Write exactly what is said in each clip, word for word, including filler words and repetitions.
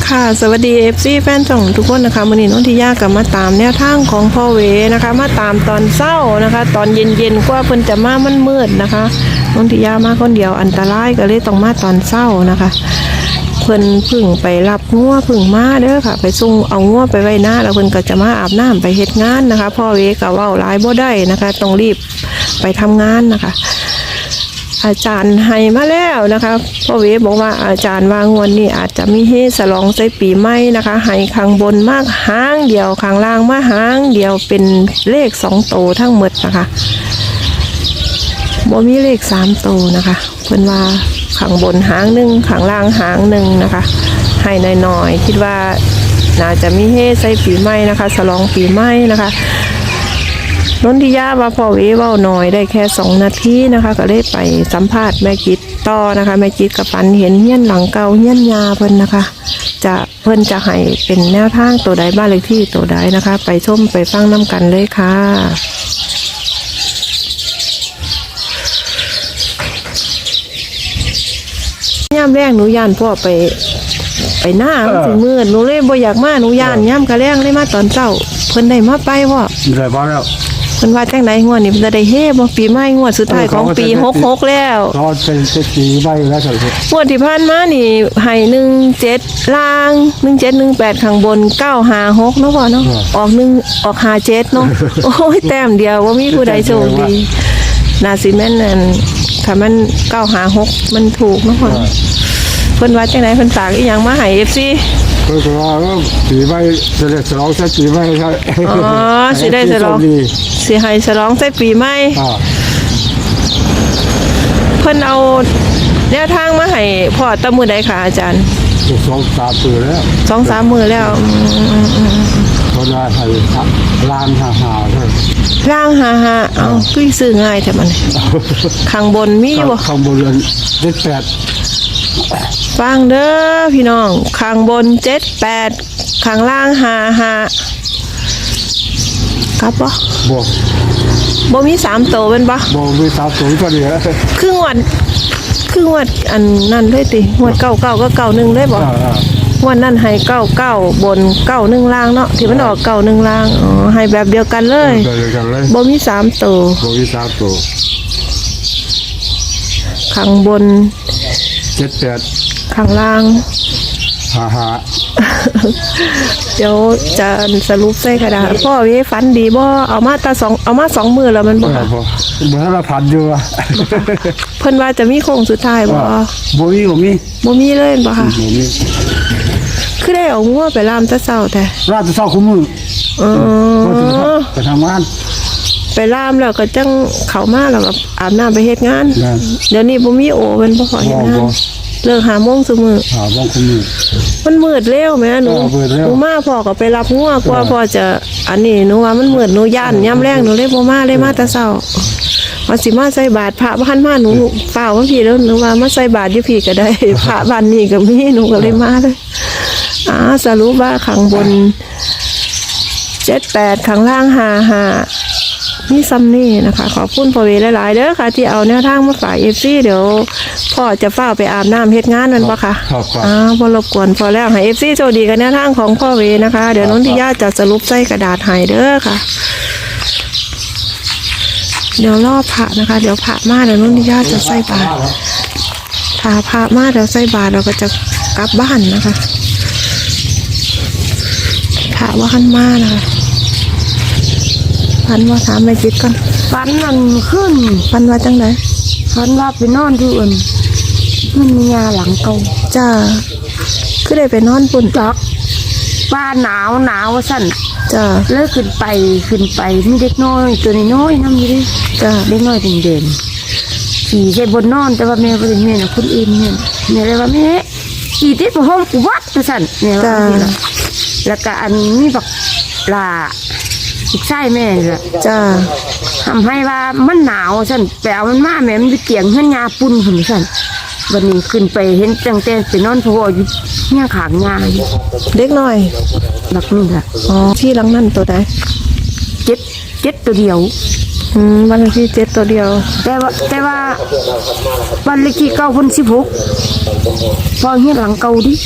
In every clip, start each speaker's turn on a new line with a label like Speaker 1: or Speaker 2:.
Speaker 1: ค่ะสวัสดี เอฟ ซี แฟนช่องทุกคนนะคะวันนี้น้องทิยากับมาตามแนวทางของพ่อเวนะคะมาตามตอนเช้านะคะตอนเย็นๆกว่าเพิ่นจะมามันมืดนะคะน้องทิยามาคนเดียวอันตรายก็เลยต้องมาตอนเช้านะคะเพิ่นพึ่งไปรับงัวพึ่งมาเด้อค่ะไปส่งเอางัวไปไว้หน้าแล้วเพิ่นก็จะมาอาบน้ำไปเฮ็ดงานนะคะพ่อเวก็เว้าหลายบ่ได้นะคะต้องรีบไปทำงานนะคะอาจารย์ให้มาแล้วนะคะพ่อเวบอกว่าอาจารย์ว่างวดนี้อาจจะมีเฮฉลองใส่ปีใหม่นะคะให้ข้างบนมากหางเดียวข้างล่างมาหางเดียวเป็นเลขสองโตทั้งหมดนะคะบ่มีเลขสามโตนะคะเพิ่นว่าข้างบนหางหนึ่งข้างล่างหางหนึ่งนะคะให้หน่อยๆคิดว่าน่าจะมีเฮใส่ปีใหม่นะคะฉลองปีใหม่นะคะนนทิยาว่าพ่อเวเว้าหน่อยได้แค่สองนาทีนะคะก็เลยไปสัมภาษณ์แม่จิตต่อนะคะแม่จิตกับปันเห็นเฮี้ยนหลังเก่าเฮี้ยนยาเพิ่นนะคะจะเพิ่นจะให้เป็นแนวทางตัวใดบ้านเลขที่ตัวใดนะคะไปชมไปฟังน้ำกันเลยค่ะย่ำแรงหนูย่านพ่อไปไปหน้ามันสิมืดหนูเลยบ่อยากมาหนูย่านย่ำกระแรงเลยมาตอนเช้าเพิ่นได้มาไปพ่อ
Speaker 2: ได้บ่แล้ว
Speaker 1: เพิ่นว่าจังได๋งวดนี้เพิ่นจะได้เฮบ่ปีใหม่งวดสุดท้ายของปีหกสิบหกแล้ว
Speaker 2: ก็เป็นปีใหม่แล้วครับ
Speaker 1: งวดที่ผ่านมานี่ให้หนึ่งเจ็ดล่างหนึ่งเจ็ดหนึ่งแปดข้างบนเก้าห้าหกเนาะพ่อเนาะออกหนึ่งออกห้าเจ็ดเนาะโอ้ยแต้มเดียวบ่มีผู้ใดโชคดีน่าสิแม่นนั่นถ้ามันเก้าห้าหกมันถูกเนาะพ่อเพิ่นว่าจังได๋เพิ่นฝากอีหยังมาให้ เอฟ ซี
Speaker 2: เพิ่นว่าปีใหม่จะได้ฉลองใส่ปีใหม่ครับ
Speaker 1: อ๋อสิได้ฉลองสิให้ฉลองใส่ปีใหม่เพิ่นเอาแนวทางมาให้พ่อตะมื้อใดค่ะอาจารย์
Speaker 2: สองสามมื้อแล้ว
Speaker 1: สองสาม มื้อแล้ว
Speaker 2: เพิ่นว่าให้ล้านห้าห้าเด้อ
Speaker 1: ล่างห้าห้าเอ้าคือซื้อง่ายแท้มันข้างบนมีบ่
Speaker 2: ข้างบนเจ็ดแปด
Speaker 1: ฟังเด้อพี่น้องข้างบนเจ็ดแปดข้างล่างห้าห้าครับบ่
Speaker 2: บ่
Speaker 1: บ่มีสามโตเป็นบ่
Speaker 2: บ่มีสามโตก็ดีแล้ว
Speaker 1: ครึ่งวันครึ่งวันอันนั้นเลยติงวดเก้าเก้าก็เก้าหนึ่งเลยบ่วันนั้นให้เก้าเก้าบนเก้าหนึ่งล่างเนาะที่มันออกเก้าหนึ่งล่างอ๋อให้แบบเดียวกันเลยบ่มีสามโต
Speaker 2: บ่มีสามโต
Speaker 1: ข้างบน
Speaker 2: เจ็ดแปด
Speaker 1: ข้างล่าง
Speaker 2: ห้าห้า
Speaker 1: เดี๋ยวจะสรุปใส่กระดาษพ่อเว้ฝันดีบ่เอามาตาสองเอามาสองมือแล้วมันบ่
Speaker 2: บ่บ่ทันละพันอยู่อ่ะ
Speaker 1: เพิ่นว่าจะมีโค้งสุดท้ายบ่
Speaker 2: บ่มีบ่มี
Speaker 1: บ่มีเลยบ่ค่ะ
Speaker 2: บ่มี
Speaker 1: คือได้เอางัวไปล่ามตะเช้าแต่
Speaker 2: ล่ามตะเช้าคุมื้อ
Speaker 1: เออ
Speaker 2: ไปทำงาน
Speaker 1: ไปล่ามแล้วก็จังเข้ามาแล้วก็อาบน้ำไปเฮ็ดงานเดี๋ยวนี้บ่มีโอเพิ่นบ่ขอเฮ็ดงานเลิกหาโมงซุมื้อ
Speaker 2: หาโมงคุมื้อ
Speaker 1: มันมืดเร็วแม่หนูหนูมาพ่อก็ไปรับงัวกว่าพ่อจะอันนี้หนูว่ามันมืดหนูย่านยามแรงหนูเลยบ่มาเลยมาแต่เช้าว่าสิมาใส่บาตรพระบ้านมาหนูเฝ้าว่าพี่แล้วหนูว่ามาใส่บาตรอยู่พี่ก็ได้พระบ้านนี้ก็มีหนูก็เลยมาเลยอ่าสรุปว่าข้างบนเจ็ดแปดข้างล่างห้าห้านี่ซ้ำนี่นะคะขอบคุณพ่อเวหลายๆเด้อค่ะที่เอาแนวทางมาฝาก เอฟ ซี เดี๋ยวพ่อจะเฝ้าไปอาบน้ำเฮ็ดงานนั่นปะคะอ้าวบ่รบกวนพอแล้วให้ เอฟ ซี โชคดีกันแนวทางของพ่อเวนะคะเดี๋ยวนนทิยาจะสรุปใส่กระดาษให้เด้อค่ะเดี๋ยวรอพระนะคะเดี๋ยวพระมาเดี๋ยวนนทิยาจะใส่บาตรถ้าพระมาเดี๋ยวใส่บาตรเราก็จะกลับบ้านนะคะพระว่าขันมานะคะฟันว่าถามแม่จิตก่อน
Speaker 3: ฟันนั่นขึ้น
Speaker 1: ฟันว่าจังได
Speaker 3: ฟันว่าไปนอนที่อื่นมันมียาหลังเก่า
Speaker 1: จ้าคือได้ไปนอนปุ่น
Speaker 3: จักป้าหนาวหนาวสั่น
Speaker 1: จ้า
Speaker 3: เลิกขึ้นไปขึ้นไปมีเด็กน้อยตัวน้อยน้ำอยู่ดิ
Speaker 1: จ้า
Speaker 3: เด็กน้อยเด่นๆขี่ใส่บนนอนแต่ว่าแม่ก็เป็นแม่นะคนอื่นเนี่ยแม่เลยว่าแม่ขี่ติดห้องกูวัดตัวสั่นเนี่ยว่าแล้วก็อันนี้บอกลาอีกไส้แม่เลย
Speaker 1: จ้า
Speaker 3: ทำให้ว่ามันหนาวสั่นแปลมันมาแม่มันไปเกี่ยงเฮือนยาปุ่นผุนสั่นวันนี้ขึ้นไปเห็นจังแต่ไปนอนพออยู่เนี่ยขางยา
Speaker 1: เด็กน้อย
Speaker 3: หลักนี่ค่ะ
Speaker 1: อ๋อที่หลังนั่นตัวใด
Speaker 3: เจ็ดเจ็ดตัวเดียว
Speaker 1: อืมวันเลขที่เจ็ดตัวเดียว
Speaker 3: แต่ว่าแต่ว่าวันเลขที่เก้าพันสิบหกพอเห็นหลังเก่าดิ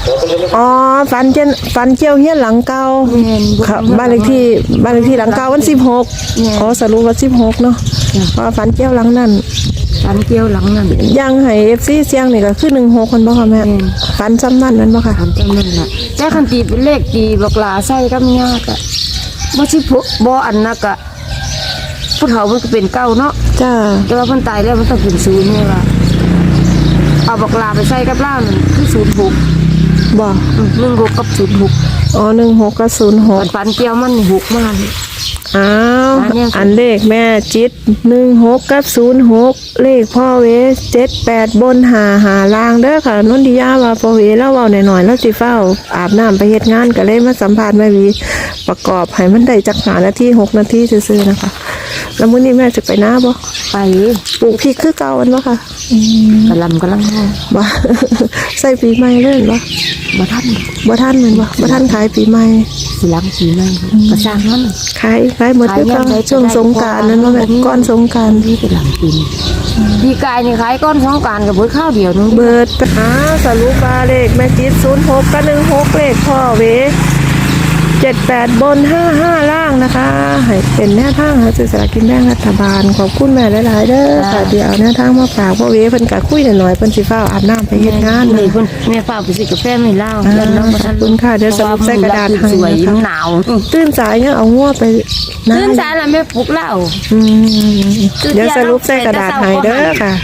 Speaker 1: อ๋อฝันเจนฝันเกี่ยวเฮียนหลังเก่า
Speaker 3: แม่น
Speaker 1: ครับบ้านเลขที่บ้านเลขที่หลังเก่าวันสิบหกอ๋อสรุปว่าสิบหกเนาะเพราะว่าฝันเกี่ยวหลังนั้น
Speaker 3: ฝันเกี่ยวหลังนั่น
Speaker 1: ยังให้ เอฟ ซี เสียงนี่ก็คือหนึ่งหกคนบ่ค่ะแม่ฝันซ้ำนั่นแม่นบ่ค่ะ
Speaker 3: ฝันจำนั่นล่ะแต่คันตีเป็นเลขตีบักหลาใส่กับยากอะบ่สิพุบ่อันนักอะผู้เฒ่ามันก็เป็นเก้าเนาะ
Speaker 1: จ้า
Speaker 3: แต่ว่าเพิ่นตายแล้วมันต้องเป็นศูนย์นี่ว่าเอาบักลาไปใส่กับล่ามันคือศูนย์หก
Speaker 1: บ่
Speaker 3: หนึ่งหกกับศูนย์หก
Speaker 1: อ๋อหนึ่งหกกับศูนย์หก
Speaker 3: ฝันเกี่ยวมันหกมาก
Speaker 1: อ้าว
Speaker 3: อันเนี้ย
Speaker 1: อันเลขแม่จิตหนึ่งหกกับศูนย์หกเลขพ่อเวเจ็ดแปดบนหาหาล่างเด้อค่ะนนทิยาว่าพ่อเวแล้วเว้าหน่อยๆแล้วสิเฝ้าอาบน้ำไปเฮ็ดงานก็เลยมาสัมภาษณ์แม่วีประกอบให้มันได้จักหานาทีหกนาทีซื่อๆนะคะ แล้วมื้อนี้แม่จะไปหน้าบ่
Speaker 3: ไป
Speaker 1: ปลูกพริกคือเก่าอันบ่ค่ะ
Speaker 3: กระลำกำลังห้อง
Speaker 1: บ่ ใส่ปีใหม่เลยบ่
Speaker 3: มาทัน
Speaker 1: บ่ทันแม่นบ่บ่ทันขายปีใหม่
Speaker 3: สีหลังสีไม่กระช่างมัน
Speaker 1: ขายขายหมดคือเก่าช่วงสงกรานต์นั้นบ่แม่ก่อนสงกรานต์
Speaker 3: นี่เป็นหลังปีนปีกายนี่ขายก้อนสองการกับเบิดข้าวเดียวนึง
Speaker 1: เบิดไปหาสรุปว่าเลขแม่จิตศูนย์หกกับหนึ่งหกเลขพ่อเวเจ็ดแปดบนห้าห้าล่างนะคะให้เป็นแนวทางหาซื้อสลากกินแบ่งรัฐบาลขอบคุณแม่หลายๆเด้อค่ะเดี๋ยวแนวทางมาฝากพ่อเวเพิ่นก็คุยหน่อยๆเพิ่นสิฟ้าวอาบน้ำไปเฮ็ดงาน
Speaker 3: นี่
Speaker 1: นะ
Speaker 3: เพิ่นแม่ฝากไปซื้อกาแฟไม่เล่า
Speaker 1: อ่า
Speaker 3: แล้วน้องมาทัน
Speaker 1: ขอบคุณค่ะเดี๋ยวสรุปใส่กระดาษให้
Speaker 3: สวย
Speaker 1: นะคะ
Speaker 3: มันหนาว
Speaker 1: ตื่นสายยังเอางัวไปนะ
Speaker 3: ตื่นสายแล้วแม่ปลุกเหล้า
Speaker 1: อืมเดี๋ยวสรุปใส่กระดาษให้เด้อค่ะ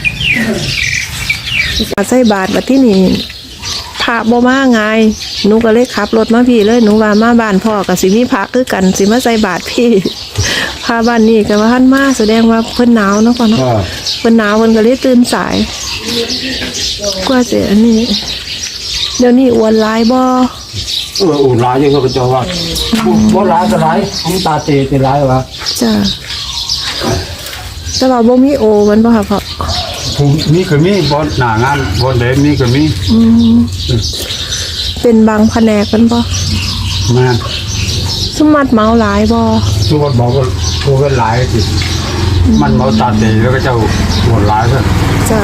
Speaker 1: ใส่บาทบัดที่นี่พระบ่มาไงหนูก็เลยขับรถมาพี่เลยหนูว่ามาบ้านพ่อกับสิมีพระคือกันสิมาใส่บาทพี่ พาบ้านนี้ก็ว่าท่านมาแสดงว่าเพิ่นหนาวเนาะพ่อเนาะ
Speaker 2: ก็
Speaker 1: เพิ่นหนาวเพิ่นก็เลยตื่นสาย กว่าจะอันนี้ เดี๋ยวนี้อ้วนหลายบ่
Speaker 2: เอออุ่นร้ายยังก็จะว่าบ่ร้ายก็ร้ายผมตาเตะจะร้ายวะ
Speaker 1: จ้ะแต่ว่าบ่มีโอมันบ่ค่ะพ่อ
Speaker 2: ผมนี่ก็มีบอลหน้างานบอลเดมนี่ก็มี
Speaker 1: อืมเป็นบางแผนกมันบ่
Speaker 2: แม่
Speaker 1: สมมัดเมาหลายบ่
Speaker 2: ทุกคนบอกว่าทุกคนหลายสิมันมาตาเตะแล้วก็จะหัวร้ายซะ
Speaker 1: จ้ะ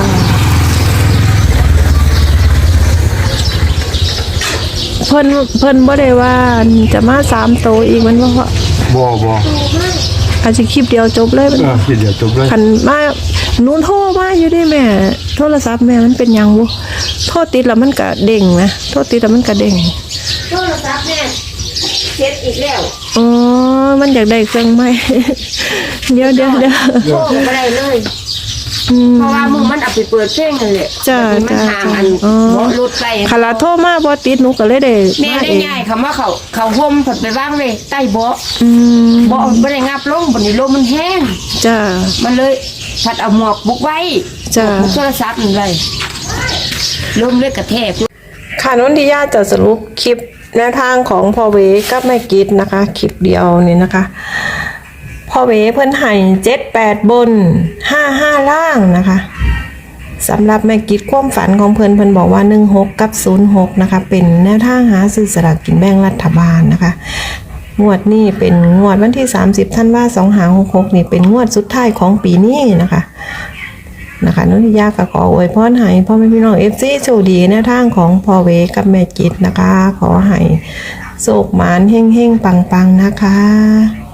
Speaker 1: เพิ่นเพิ่นบ่ได้ว่าจะมาสามโตอีกมันบ่พ่อ
Speaker 2: บ่บ่
Speaker 1: อาจจะคลิปเดียวจบเลยมัน
Speaker 2: เออคิดเดี๋ยวจบเลย
Speaker 1: คันมาหนูโทรมาอยู่ดิแม่ โทรศัพท์แม่มันเป็นหยังบ่โทรติดแล้วมันก็เด้งนะโทรติดแล้วมันก็เด้ง
Speaker 3: โทรศัพท์แม่เช็ดอีกแล้ว
Speaker 1: อ๋อมันอยากได้เครื่องใหม่ เดี๋ยวเดี๋ยวเดี๋ยว
Speaker 3: โทรไม่ได้เลย
Speaker 1: อืม
Speaker 3: เพราะว่ามึงมันเอาไปเปิดเพลงนั่นแหละ
Speaker 1: จ้ะ
Speaker 3: มัน
Speaker 1: จ้ะ
Speaker 3: ห่างอัน
Speaker 1: อ๋อ
Speaker 3: เบาะรถไป
Speaker 1: คาราโทรมาบ่ติดหนูก็เลยได้
Speaker 3: แม่
Speaker 1: มา
Speaker 3: ได้
Speaker 1: เอง
Speaker 3: ง่ายคำว่าเขาเขาห่มผัดไปว่างเลยใต้เบาะ
Speaker 1: อืม
Speaker 3: เบาะไม่ได้งับลงบนนี้ลมมันแห้ง
Speaker 1: จ้า
Speaker 3: มันเลยผัดเอาหมวกบุกไว้
Speaker 1: จ้ะ
Speaker 3: บุกโทรศัพท์นั่นเลยลมเลยกระแทก
Speaker 1: ค่ะนนทิยาจะสรุปคลิปแนวทางของพ่อเวกับแม่กิดนะคะ คลิปเดียวนี่นะคะพ่อเวเพิ่นให้เจ็ดแปดบนห้าห้าล่างนะคะสำหรับแม่กิดความฝันของเพิ่นเพิ่นบอกว่าหนึ่งหกกับศูนย์หกนะคะเป็นแนวทางหาซื้อสลากกินแบ่งรัฐบาลนะคะงวดนี้เป็นงวดวันที่สามสิบธันวาคมสองห้าหกหกนี่เป็นงวดสุดท้ายของปีนี้นะคะนะคะนนทิยาก็ขออวยพรให้พ่อแม่พี่น้องเอฟซีโชคดีแนวทางของพ่อเวกับแม่กิดนะคะ ขอให้โชคหมานเฮ่งๆปังๆนะคะ